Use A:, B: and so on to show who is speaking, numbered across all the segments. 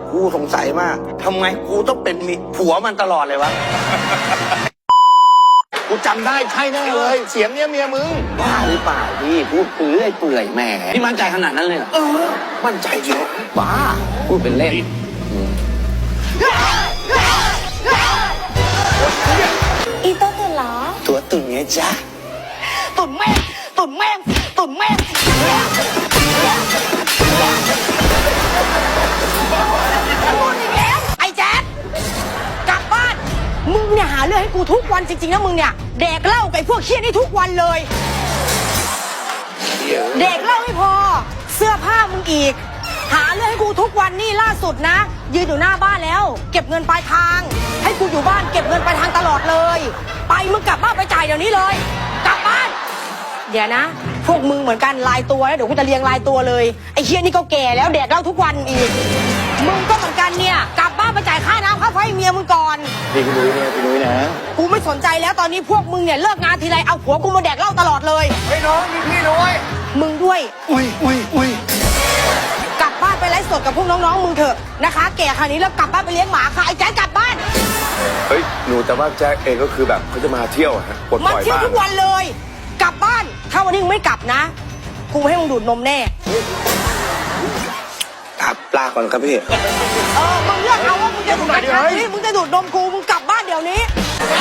A: กูสงสัยมากทำไมกูต้องเป็นผัวมันตลอดเลยวะ
B: กูจำได้ใช่แน่เลย เสียงเนี้ยเมียมึง
A: บ้าหรือเปล่าพี่พูดเปื่อยเปื่อยแหมพี่มั่นใจขนาดนั้นเลยเหรอมั่นใจเยอะบ้าพูดเป็นเล่น
C: อีโต้ตื่นเหรอ
A: ตัวตุ่นไงจ๊ะ
C: ตุ่นแม่งตุ่นแม่งตุ่นแม่งพูดอีกแล้วไอ้แจ๊ดกลับบ้านมึงเนี่ยหาเรื่องให้กูทุกวันจริงๆนะมึงเนี่ยแดกเหล้ากับพวกเคี้ยนี่ทุกวันเลยแดกเหล้าไม่พอเสื้อผ้ามึงอีกหาเรื่องให้กูทุกวันนี่ล่าสุดนะยืนอยู่หน้าบ้านแล้วเก็บเงินปลายทางให้กูอยู่บ้านเก็บเงินปลายทางตลอดเลยไปมึงกลับบ้านไปจ่ายเดี๋ยวนี้เลยกลับบ้านเดี๋ยวนะพวกมึงเหมือนกันลายตัวแล้วเดี๋ยวกูจะเรียงลายตัวเลยไอ้เคี้ยนี่ก็แก่แล้วแดกเหล้าทุกวันอีกมึงก็เหมือนกันเนี่ยกลับบ้านไปจ่ายค่าน้ำค่าไฟเมียมึงก่อน
B: พี่นุ้ยเนี่ยพี่นุ้ยนะ
C: กูไม่สนใจแล้วตอนนี้พวกมึงเนี่ยเลิกงานทีไรเอาผัวกูมาแดกเหล้าตลอดเลย
B: ไอ้น้องมีพี่ด้วย
C: มึงด้วย
B: อุ้ย
C: กลับบ้านไปไลฟ์สดกับพวกน้องๆมึงเถอะนะคะแก่ขนาดนี้แล้วกลับบ้านไปเลี้ยงหมาค่ะไอ้แจ๊คกลับบ้าน
D: เฮ้ยหนูแต่ว่าแจ็คเองก็คือแบบเขาจะมาเที่ยวอะฮะปลดป
C: มา
D: ล่อย
C: เที่ยว
D: บ้าง
C: ทุกวันเลย กลับบ้านถ้าวันนี้มึงไม่กลับนะกูให้มึงดูดนมแน่
A: ครับลาก่อนครับพี่
C: มึงเลือกเอาว่ามึงจะดูดนมมึงจะดูดนมกูมึงกลับบ้านเดี๋ยวนี้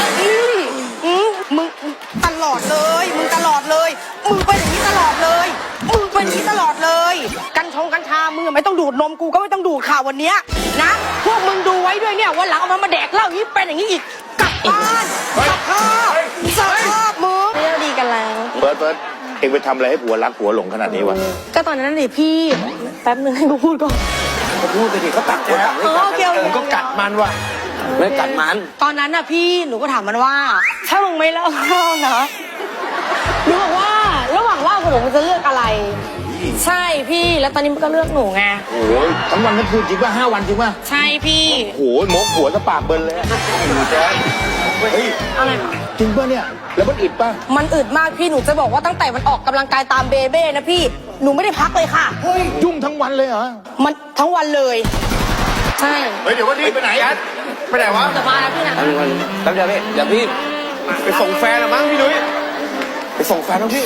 C: มึงตลอดเลยมึงตลอดเลยมึงเป็นอย่างนี้ตลอดเลยมึงเป็นอย่างนี้ตลอดเลยกัญชามึงไม่ต้องดูดนมกูก็ไม่ต้องดูดข่าววันเนี้ยนะพวกมึงดูไว้ด้วยเนี่ยวันหลังเอามันมาแดกเหล้าอย่างนี้เป็นอย่างนี้อีกกลับบ้านสภาพมึงเรียกดีกันแล้ว
B: เฟิร์สเองไปทำอะไรให้ผัวรักผัวหลงขนาดนี้วะ
C: ก็ตอนนั้นนี่พี่แป๊บนึงให้กูพูดก่อน
A: ก็พูดไปดิเขาตัดคนต่างไม่ตัด
C: โอเค
B: มึงก็กัดมันว่ะ
A: ไม่กัดมัน
C: ตอนนั้นน่ะพี่หนูก็ถามมันว่าถ้ามึงไม่เลิกเหล้านะหนูบอกว่าระหว่างเหล้ากับหนูมันจะเลือกอะไร ใช่พี่แล้วตอนนี้มันก็เลือกหนูไง
B: โอ้ยทั้งวันทั้งคืนจริงป่ะ5 วันจริงป่ะ
C: ใช่พี่
B: โอ้ยมกหัวจะปากเบิ้ลเลยแจ๊คเฮ้ย
C: อะไร
B: จริงป่ะเนี่ยแล้วมันอิดป่ะ
C: มันอึดมากพี่หนูจะบอกว่าตั้งแต่มันออกกำลังกายตามเบเบ้นะพี่หนูไม่ได้พักเลยค่ะ
B: เฮ้ยยุ่งทั้งวันเลยเหรอ
C: มันทั้งวันเลย ใช่
B: เฮ้ยเดี๋ยววันนี้ไปไหนอ่ะไปไหนวะ
C: จะมาแล้วพี่นะ
A: แป๊บเดียวพี่เดี๋ยวพี่
D: ไปส่งแฟนละมั้งพี่นุ้ย
A: ไปส่งแฟนน้องพี่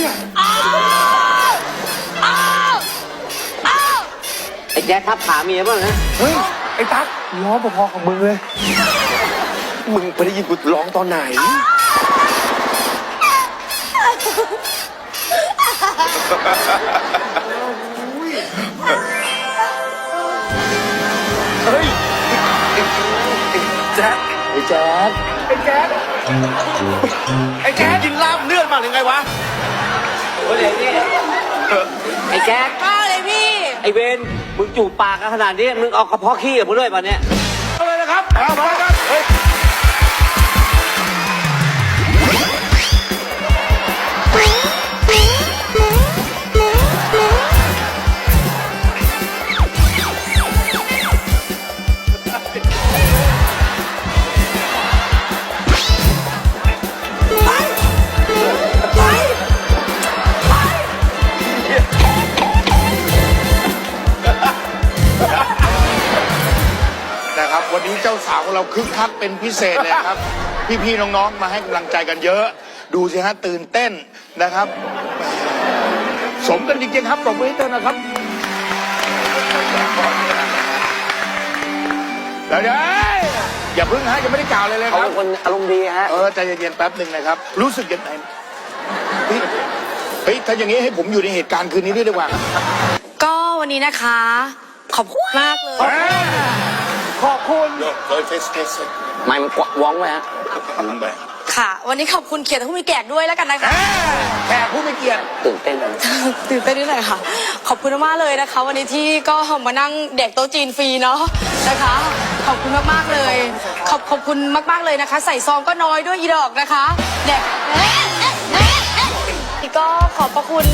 A: ไอ้แจ๊คทับขาเมียบ้างนะ
D: เฮ้ยไอ้ตั๊กร้องพอๆของมึงเลยมึงไปได้ยินกูร้องตอนไหนเฮ้ยแจ๊ค
A: ไอ้แจ๊ค
D: ไอ้แจ๊คไอ้แจ๊คกินลาบเลือดมาหรือไงวะ
A: โอ้ยนี่ไอ้แจ๊ค
C: ก็เลยพี่
A: ไอ้เวนมึงจูบปากกันขนาดนี้มึงเอากระเพาะขี้กับมึงด้วยป่ะเนี่ย
D: เอาเลยนะครับเอาไปครับเฮ้ย
B: นะครับวันนี้เจ้าสาวของเราคึกคักเป็นพิเศษเลยครับ พี่ๆน้องๆมาให้กำลังใจกันเยอะ ดูสิฮะตื่นเต้นนะครับ สมกันจริงๆครับปรบมือให้เธอนะครับเดี๋ยวอย่าพึ่งฮะยังไม่ได้กล่าวเลยเลย
A: เขา
B: ครั
A: เป็
B: บ
A: นคนอารมณ์ดีฮะ
B: ใจเย็นๆแป๊บหนึ่งนะครับ รู้สึกยังไงเฮ้ยถ้าอย่างนี้ให้ผมอยู่ในเหตุการณ์คืนนี้ด้วยดีกว่า
C: ก็วันนี้นะคะ ขอบคุณมากเลย
B: ขอบคุณเฮ้ยเฟส
A: ไม่มันกวักว้องไว้ฮะ
B: ลืมไป
C: ค่ะ วันนี้ขอบคุณเขียรติผู้มีแก่ด้วยแล้วกันนะคะ
B: แขกผู้ไม่เกียรติ
A: ตื่นเต้น
C: ตื่นเต้นนิดหน่อยค่ะ ขอบคุณมากๆเลยนะคะ วันนี้ที่ก็มานั่งเด็กโต๊ะจีนฟรีเนาะนะคะ ขอบคุณมากๆเลย ขอบคุณมากๆเลยนะคะ ใส่ซองก็น้อยด้วยอีดอกนะคะเด็กนี่ก็ขอบพระคุณ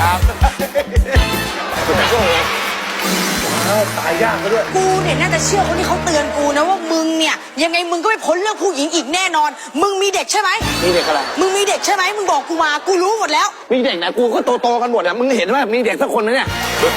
B: ครับ
D: ตายยากซะด้วย
C: กูเนี่ยน่าจะเชื่อคนที่เขาเตือนกูนะว่ามึงเนี่ยยังไงมึงก็ไม่พ้นเรื่องผู้หญิงอีกแน่นอน มึงมีเด็กใช่ไหม
A: มีเด็กอะไร
C: มึงมีเด็กใช่ไหมมึงบอกกูมากูรู้หมดแล้ว
A: มีเด็กไหนกูก็โตๆกันหมดอ่ะมึงเห็นว่ามีเด็กสักคนนะเนี่ย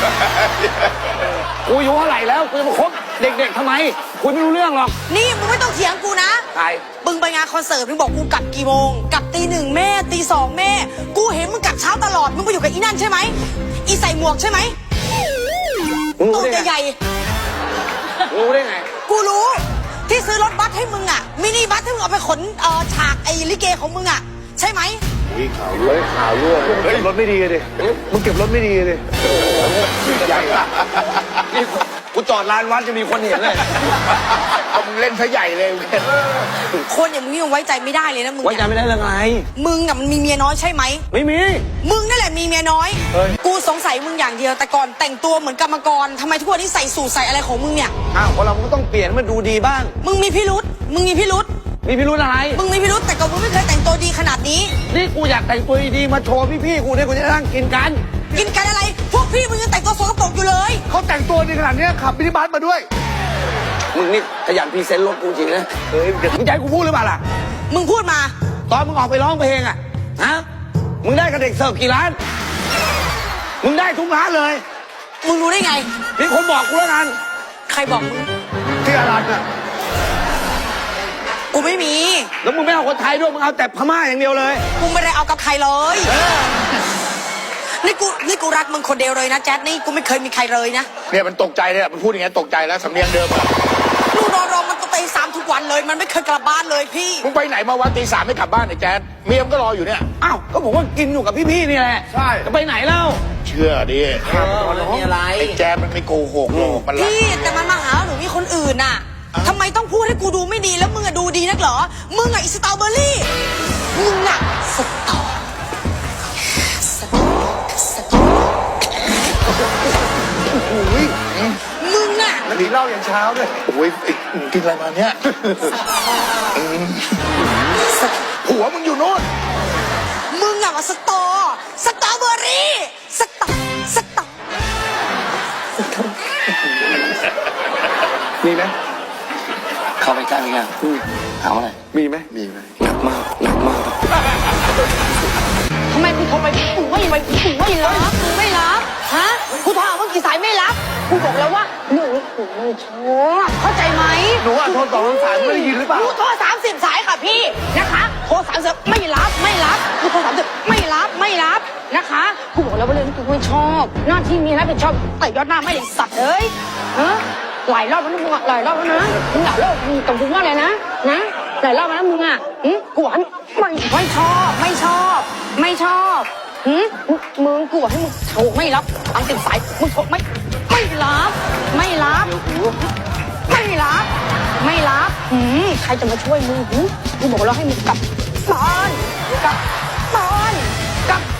A: กูอายุเท่าไหร่แล้วกูจะมาคบเด็กๆทำไมกูไม่รู้เรื่องหรอก
C: นี่มึงไม่ต้องเถียงกูนะ
A: ใคร
C: มึงไปงานคอนเสิร์ตมึงบอกกูกลับกี่โมงกลับตีหนึ่งแม่ตีสองแม่ กูเห็นมึงกลับเช้าตลอดมึงไปอยู่กับอีนั่นใช่ไหมอีใส่หมวกใช่ไหม
A: มึง
C: ตั
A: รู้
C: ว
A: ได้ไง
C: ใหญ่
A: รู้ได้ไง
C: ๆกูรู้ที่ซื้อรถบัสให้มึงอ่ะมินิบัสที่มึงเอาไปขนฉากไอ้ลิเกของมึงอ่ะใช่ไหม
D: ข่าวรั่วเก็บรถไม่ดีเลยมึงเก็บรถไม่ดีเลย
A: ใหญ่อะนี่กูจอดลานวัดจะมีคนเห็นเลย
B: เอามึงเล่นซะใหญ่เลย
C: คนอย่างมึงยังไว้ใจไม่ได้เลยนะมึง
A: ไว้ใจไม่ได้เรื่องอะไร
C: มึงอ่ะมันมีเมียน้อยใช่ไหม
A: ไม่มี
C: มึงนั่นแหละมีเมียน้อย กูสงสัยมึงอย่างเดียวแต่ก่อนแต่งตัวเหมือนกรรมกรทำไมทุกวันนี้ใส่สูทใส่อะไรของมึงเนี่ย
A: อ้าวคนเราก็ต้องเปลี่ยนให้มันดูดีบ้าง
C: มึงมีพิรุษมึงมีพิรุษ
A: มีพิรุธอะไร
C: มึงมีพิรุษแต่ก็มึงไม่เคยแต่งตัวดีขนาดนี้
A: นี่กูอยากแต่งตัวดีๆมาโชว์พี่ๆกูเนี่ยกูจะได้นั่งกินกัน
C: กินกันอะไร พวกพี่มึงยังแต่งตัวสกปรกอยู่เลย
D: เขาแต่งตัวดีขนาดนี้ขับมินิบัสมาด้วย
A: มึงนี่ขยันพรีเซนต์รถกูจริงนะมึงจะให้กูพูดหรือเปล่าล่ะ
C: มึงพูดมา
A: ตอนมึงออกไปร้องเพลงอ่ะ ฮะ มึงได้กับเด็กเสิร์ฟกี่ร้าน มึงได้ทุกร้านเลย
C: มึงรู้ได้ไง
A: มีคนบอกกูแล้วกัน
C: ใครบอกมึง
D: ที่อารันอ่ะ
C: กูไม่มี
A: แล้วมึงไม่เอาคนไทยด้วย มึงเอาแต่พม่าอย่างเดียวเลย
C: กูไม่ได้เอากับใครเลย นี่กูรักมึงคนเดียวเลยนะแจ๊ดนี่กูไม่เคยมีใครเลยนะ
B: เนี่ยมันตกใจเนี่ยมันพูดอย่างเงี้ยตกใจแล้วสำเนียงเดิมอะ
C: ลูกนอนรอมันตัวเตะสามทุกวันเลย มันไม่เคยกลับบ้านเลยพี่
B: มึงไปไหนมาวันตีสามไม่กลับบ้านไอ้แจ๊ดเมียมก็รออยู่เนี่ย
A: อ้าว ก็บอกว่ากินอยู่กับพี่ๆนี่แหละ
D: ใช่
A: จะไปไหนแล้ว
B: เชื่อดิ
A: ไม่มีอะไร
B: ไอ้แจ๊ดมันไม่โกหกหรอกมันรัก
C: พี่แต่มันมาหาหนูมีคนอื่นน่ะทำไมต้องพูดให้กูดูไม่ดีแล้วมึงอะดูดีนักเหรอ มึงอะอีสตรอเบอร์รี่ มึงอะสตอมึงอะ
D: แล้วหนีเหล้ายันเช้าด้วย
B: โอ้ยไอ้มึงกินอะไรมาเนี่ยผัวมึงอยู่โน่น
C: มึงอะมาสตรอเบอร์รี่สตอ
D: มีไหม
A: เข้าไปใกล้ไหมถามอะไร
D: มีไหม
A: หนักมาก หนักมาก
C: ทำไมกูโทรไปกูไม่รับกูไม่รับฮะกูโทรหามึงกี่สายไม่รับกูบอกแล้วว่าหนูไม่ชอบเข้าใจไหม
D: หนูอ่ะโทรสองสายไม่ได้ยินหรือเปล่า
C: กูโทร30 สายค่ะพี่นะคะโทร30ไม่รับกูโทร30ไม่รับนะคะกูบอกแล้วว่าเรื่องนี้กูไม่ชอบหน้าที่มีรับผิดชอบแต่ยอดหน้าไม่ได้สัตว์เลยฮะหลายรอบแล้วนะมึงหลายรอบแล้วนะมึงหลายรอบมึงตรงกูว่าอะไรนะหลายรอบแล้วมึงอ่ะกูว่าไม่ชอบมึงกูให้มึงโทรไม่รับ30 สายมึงโทรไม่รับใครจะมาช่วยมึงกูบอกแล้วให้มึงกลับบ้าน